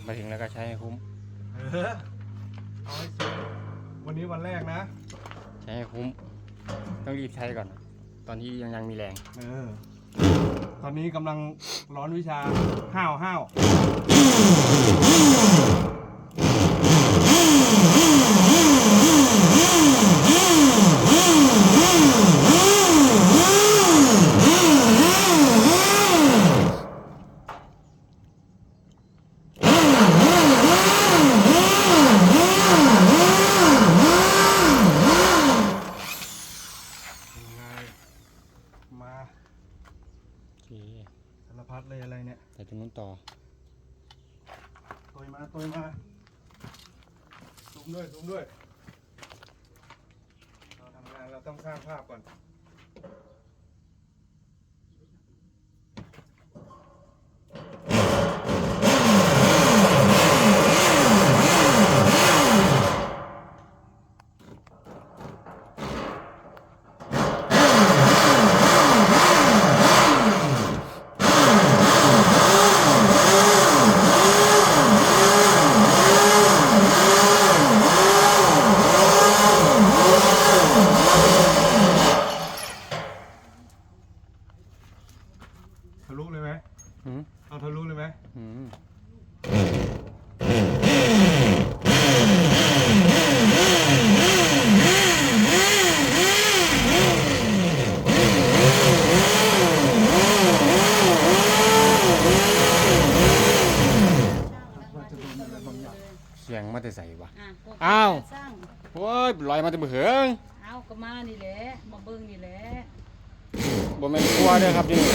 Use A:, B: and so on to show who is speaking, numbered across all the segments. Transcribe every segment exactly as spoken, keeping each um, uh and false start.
A: มาถึงแล้วก็ใช้ให้คุ้ม
B: เออเอาให้สุดวันนี้วันแรกนะ
A: ใช้ให้คุ้มต้องรีบใช้ก่อนตอนที่ยังยังมีแรง
B: เออตอนนี้กำลังร้อนวิชาห้าวห้าวมาสารพัดเลยอะไรเนี่ย
A: แต่ตรงนู้นต่อ
B: ตัวมาตัวมาซูมด้วยซูมด้วยเราทำงานเราต้องสร้างภาพก่อนทะลุเลยไหมเอาทะลุเลยไหม
A: เสียงมาแต่ใส่วะอ้าวโอ้ยลอยมาแต่มือเหิง
C: อ้าวก็มานี่แหละมาเบิ้งนี่แหละ
A: บ่แม่นกลัวเด้อครับนี่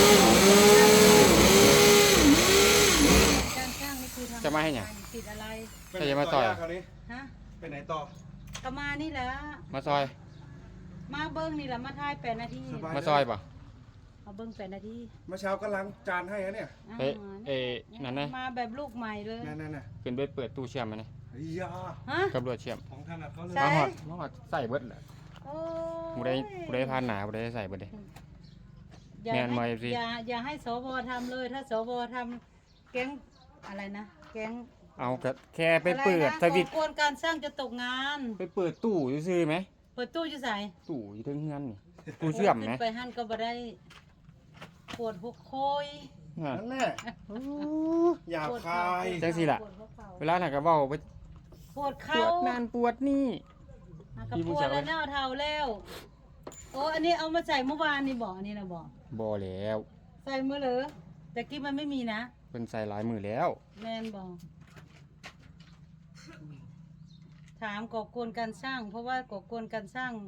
C: การสร้างนี่คือทำ
A: จะมาให้หยัง
C: ติดอะไร
A: จะจะมาต่อย
B: ฮะไปไหนต่อ
C: ก็มานี่แหละ
A: มาซอย
C: มาเบิ้งนี่แหละมาทายแปดนาที
A: มาซอยป่ะ
C: มาเบิ้งแปดนาที
B: เมื่อเช้าก็ล้างจานให้นะเนี่ย
A: เอ๊ะเอ๊ะนั่นนะ
C: มาแบบลูกใหม่เลย
B: นั่นน่ะ
A: ขึ้นไปเปิดตู้เชื่อมมาเนี่ย
B: ฮะ
A: กับรวดเชื่อม
B: ของท่านเขาเลย
A: มาหอดมาหอดใส่เบิดแหละผู้ใดผู้ใดผ่านหนาผู้ใดใส่เบิดเลย
C: อย่าอย่าอย่าให้สวทำเลยถ้าสวทำแก๊งอะไรนะแก๊ง
A: เอาแค่ไปเปิดสวิตช์
C: กวนการสร้างจะตกงาน
A: ไปเปิดตู้ซื้อไหม
C: เปิดตู้จะใส่
A: ตู้อยู่ทั้งเงินนี่ตู้เชื่อมไหม
C: ไปหั่นก็บ่ได้ปวดหัวโคย
B: นั่นแหละหยาบคาย
A: จังสิล่ะเวลาหนักกระเบ้าไป
C: ปวดเข่า
A: ปวดนั่นปวดนี่
C: กระปวดแล้วเน่าเท่าแล้วโอ้อันนี้เอามาใส่เมื่อวานนี่บอกอันนี้นะบอก
A: บ่แล้ว
C: ใส่เมื่อเหรอแต่กี้มันไม่มีนะ
A: เป็นใส่หลายมือแล้ว
C: แมนบอกถามก่อกวนการสร้างเพราะว่าก่อกวนการสร้าง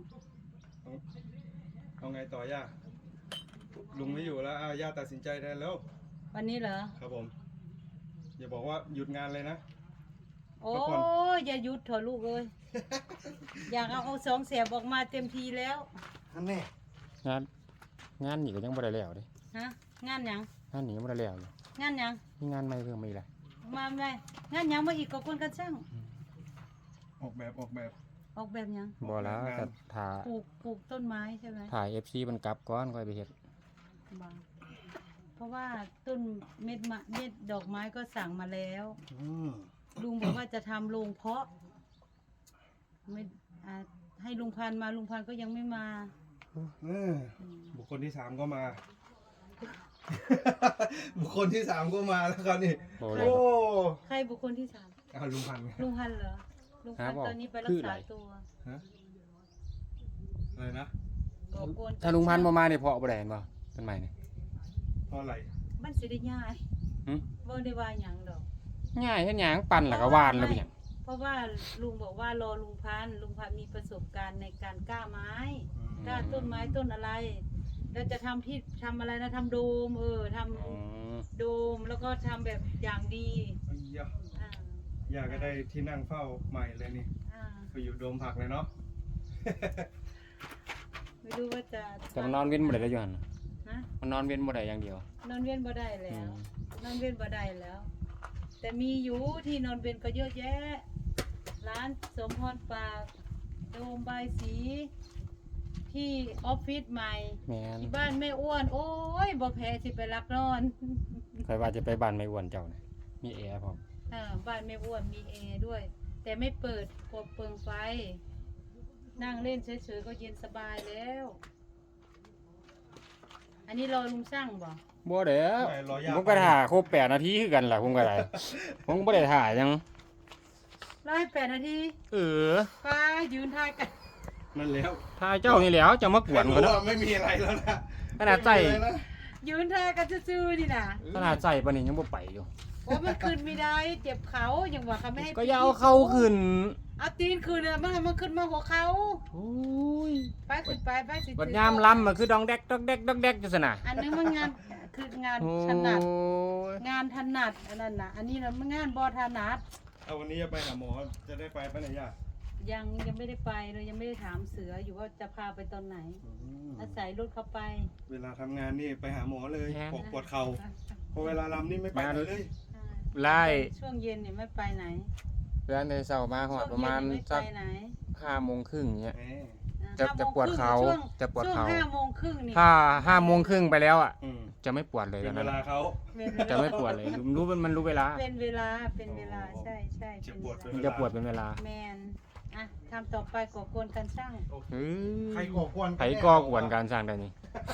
B: เอาไงต่อย่าลุงไม่อยู่แล้วย่าตัดสินใจได้แล้ว
C: วันนี้เหรอ
B: ครับผมอย่าบอกว่าหยุดงานเลยนะ
C: โอ้ยอย่าหยุดเถอะลูกเอ้ยอยากเอาเอาสองแสบออกมาเต็มทีแล้ว
B: นั่นแน่
A: งานงานนี่ก็ยังไม่ได้แล้วดิ
C: ฮะงานยัง
A: งานนี่ยังไม่ได้แล้วเลย
C: งานยัง
A: มีงานใหม่เพิ่มมาอีกแล้ว
C: มาไหมงานยังมาอีกกับคนกันช่าง
B: ออกแบบออกแบบ
C: ออกแบบยัง
A: บ่แล้วจะถ่า
C: ปลูกปลูกต้นไม้ใช่ไหม
A: ถ่ายเอฟซีมันกลับก้อนค่อยไปเห็ด
C: เพราะว่าต้นเม็ดมะเม็ดดอกไม้ก็สั่งมาแล้วลุงบอกว่าจะทำโรงเพาะไม่ให้ลุงพันมาลุงพันก็ยังไม่มา
B: บุคคลที่สามก็มาบุคคลที่สามก็มาแล้วครับนี่โอ้
C: ใครบุคคลที่สาม
B: ลุงพัน
C: ลุงพันเหรอลุงพันตอนนี้ไปรักษาตัว
B: อะไรนะ
A: ถ้าลุงพันมามาเนี่ยเพาะบ่ได้บ่ต้นไม้เนี่ย
B: เพราะอะไร
C: มันสิได้ง่ายบ่ได้ว่าหยังดอก
A: ง่ายเฮ็ดหยังปั่นแล้วก็วานแล้วเป็นหยัง
C: เพราะว่าลุงบอกว่ารอลุงพันลุงพันมีประสบการณ์ในการกล้าไม้กล้าต้นไม้ต้นอะไรแล้วจะทำที่ทำอะไรนะทำโดมเออทำโดมแล้วก็ทำแบบอย่างดี
B: อยากก็ได้ที่นั่งเฝ้าใหม่เลยนี่ไปอยู่โดมผักเลยเนาะ
C: ไม่รู้ว่าจะ
A: จะนอนเว้นบ่ได้แล้วอยู่หั่นมันนอนเว้นบ่ได้อย่างเดียวน
C: อนเว้นบ่ได้แล้วนอนเว้นบ่ได้แล้วแต่มีอยู่ที่นอนเว้นก็เยอะแยะร้านสมพรปากโดมใบสีที่ออฟฟิศใหม่ที่บ้านแม่อ้วนโอ้ยบ่แพ้สิไปรักนอน
A: ใครว่าจะไปบ้านแม่อ้วนเจ้านะมีแอร์พร้อม
C: อ่าบ้านแม่อ้วนมีแอร์ด้วย แต่ไม่เปิดกลัวเปลืองไฟ นั่งเล่นเฉยๆก็เย็นสบายแล้ว อันนี้รอลุงช่างบ่
A: บ่เด้อ
B: ไม่รอย่า
A: ผมก็ถ่าครบแปดนาทีคือกันล่ะผมก็ได้ ผมก็บ่ได้ถ่าหยัง
C: รอให้แปดนาที
A: เออ
C: ป้ายืนทายกัน
B: นั่นแล้ว
A: ถ่ายเจ้านี่แหล้วจะมากวน
B: รู้
A: เขาเนาะ
B: ว่าไม่มีอะไรแล้วนะ
A: ขนาดใส่
B: ไม่มีอะไรนะ
C: ยืนทายกันซื่อๆนี่นะ
A: ขนาดใส่ปานนี้ยังบ่ไปอยู่
C: โอ้มันขึ้นไม่ได้ เจ็บเขาอย่างว่าเขาไม่ให้
A: ก็อย่าเอาเข้าขึ้น
C: เอาตีนขึ้นเลยมันมันขึ้นมาหัวเขา
A: โอ้ย
C: ไปขึ้นไปไปสิ
A: บัดยามลำมันคือดองแดกดอกแดกดอกแดกจังซั่นน่ะ
C: อันนึงมันงานคืองาน
A: โอ้
C: ถนัด
A: ย
C: งานถนัดอันนั้นน่ะ อันนี้นะมันงานบอถนัด
B: เอาวันนี้จะไปหาหมอจะได้ไปปะเนี่ยย่า
C: ยังยังไม่ได้ไปเลยยังไม่ได้ถามเสืออยู่ว่าจะพาไปตอนไหน
B: อืม
C: อาศัยรถเขาไป
B: เวลาทำงานนี่ไปหาหมอเลยปวดปวดเข่าพอเวลาลำนี่ไม่ไปไหนเลย
A: ไล่
C: ช่วงเย็นเนี่ยไม่ไปไหน
A: เดือนในเช้ามาฮอดประมาณ
C: ช่วงเย็นเนี่ย
A: สัก
C: ไม่ไปไหน
A: ห้าโมงครึ่งเงี้ย
B: แหม
C: อ่า
A: จะ
C: ห้า
A: จะ
C: โมง
A: ปวด
C: ครึ่ง
A: เข่า
C: ช่วง
A: จะปวด
C: ช่วง
A: เข่า
C: ห้าโมงครึ่งนี่
A: ถ้าห้าโมงครึ่งไปแล้วอ่ะ
B: อืม
A: จะไม่ปวดเลย
B: เป็
A: ต
B: น
A: อน
B: เว
A: นั้น
B: ลา
A: อะ
B: เขา
A: จะไม่ปวดเลยรู้มันมันรู้เวลา
C: เป็นเวลาเป็นเวลาใช่ใช่
B: เจ็บ
C: เป็น
B: ปวด
C: เว
B: เป็น
C: ลา
A: มันจะปวดเป็นเวลา
C: แมนอ่ะทำต่อไปก่อกวนกันช่าง
A: เฮ้ย
B: ใครก่อกวน
A: ไผก็กวนการสร้างได้นี่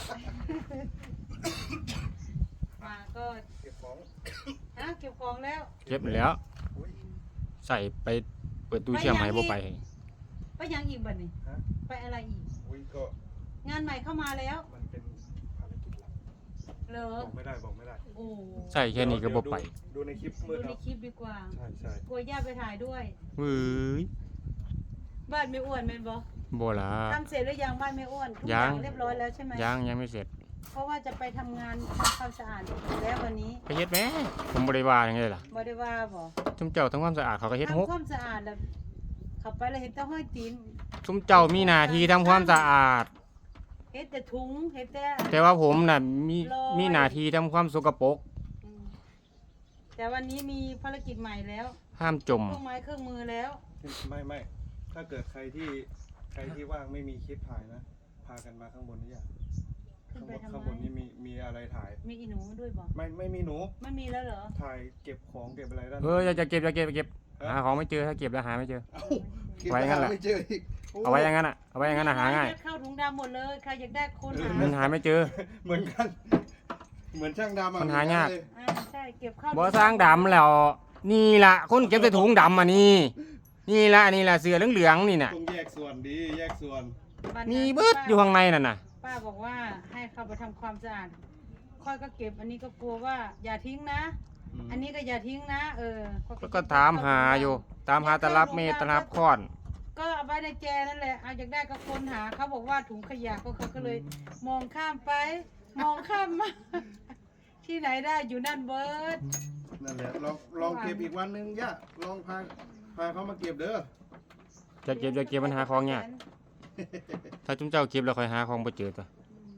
C: มาก็
B: เก็บของ
C: ฮะเก็บของแล้ว
A: เก็บแล้ว
B: อุ๊ย
A: ใส่ไปเปิดตู้เชื่อมให้บ่ไป
C: ไปยังอีกบัดนี้
B: ฮะ
C: ไปอะไรอีก
B: อุ้ยก็
C: งานใหม่เข้ามาแล้ว
B: มันเป็นภารกิจลับ
C: เหรอ
B: บอกไม่ได้บอกไม่ได้
C: โอ้
A: ใส่แค่นี้ก็บ่ไป
B: ดูในคลิปมื
C: ดู
B: ด
C: ใน
B: เอา
C: คลิปดีกว่า
B: ใช่ใช่
C: กลัวย่าไปถ่ายด้วย
A: เฮ้ย
C: บ้านไม่อ้วนเป็นบ่
A: บ่ล่ะ
C: ทำเสร็จหรือยังบ้านไม่อ้วนทุกอ
A: ยั
C: ย่าง งเรียบร้อยแล้วใช่ไหม
A: ยังยังไม่เสร็จ
C: เพราะว่าจะไปทำงานทำความสะอาดแล้ววันนี้
A: ไปเฮ็ดแหมผมบ่ได้ว่าหยังเลยล่ะ
C: บ่ได้ว่าบ่
A: ซุมเจ้าทำความสะอาดเขาก็เฮ็ดหก
C: ทำความสะอาดแล้วเข้าไปแล้วเห็นแต่ห้อยตีน
A: ซุมเจ้ามีหน้าที่ทำความสะอาด
C: เห็นแต่ถุงเห็นแต่
A: แต่ว่าผมน่ะมี
C: ลอย
A: มีหน้าที่ทำความสกปรก
C: อืมแต่วันนี้มีภารกิจใหม่แล้ว
A: ห้ามจม
C: เครื่องไม้เครื่องมือแล้ว
B: ไม่ไม่ถ้าเกิดใครที่ใครที่ว่างไม่มีคลิปถ่ายนะ พากันมาข้างบนนี่อย่าง
C: ขึ้น
B: ข้าง
C: ไป
B: บน
C: ทำ
B: ข้าง
C: ไม
B: บนนี่มีมีอะไรถ่าย
C: มีอีหนูด้วยบ่
B: ไม่ไม่มีหนู
C: ไม่มีแล้วเหรอ
B: ถ่ายเก็บของเก็บอะไรด้าน
A: เอออย่าจะเก็บอย่าเก็บอย่าเก็บหาของไม่เจอถ้าเก็บแล้วหาไม่เจอ
B: เอ้าเก็บ
A: ไว้งั้นแหละ
B: ไม่เจออีกโ
A: เอาไว้อย่างนั้นอ่ะเอาไว้อย่างนั้นอ่ะหาง่าย
C: ยัดเข้าถุงดำหมดเลยใครอยากได้คนหา
A: มันหาไม่เจอ
B: เหมือนกัน เหมือนช่างดำอะ
A: มันหายาก
B: เล
C: อ่าใช่เก็บเข้า
A: บ่สร้างดำแล้ว นี่ล่ะคนเก็บใส่ถุงดำอ่ะนี่ นี่ล่ะนี่ล่ะเสือเหลืองๆนี่น่ะ
B: ต้องแยกส่วนดีแยกส่วน
C: บ้าน
A: มี
C: นั้น
A: เบิดอยู่ข้างในนั่นน่ะ
C: ป้าบอกว่าให้เข้าไปทำความสะอาดค่อยก็เก็บอันนี้ก็กลัวว่าอย่าทิ้งนะ อันนี้ก็อย่าทิ้งนะ เออข้อย
A: แล้วก็ถามหาอยู่ ตามหาตลับเมตรตลับค้อน
C: ก็เอาไว้ในแจนั่นแหละเอาอยากได้ก็ค้นหาเขาบอกว่าถุงขยะก็เขาก็เลย มองข้ามไป มองข้ามมา ที่ไหนได้อยู่นั่นเบิร์ด
B: นั่นแหละลองลองเก็บอีกวันหนึงย่าลองพาพาเขามาเก็บเด้อ
A: จะเก็บจะเก็บมันหาของยากถ้าจุ้มเจ้าเก็บแล้วค่อยหาของบ่เจอตัว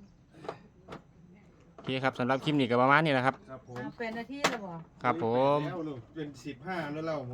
A: โอเคครับสำหรับคลิปนี้ก็ประมาณนี้แหละครับ
B: ครับผม
C: เอาเป็นนาทีแล้วบ่
A: ครับผม
B: แล้วลูกเป็นสิบห้าแล้วเรา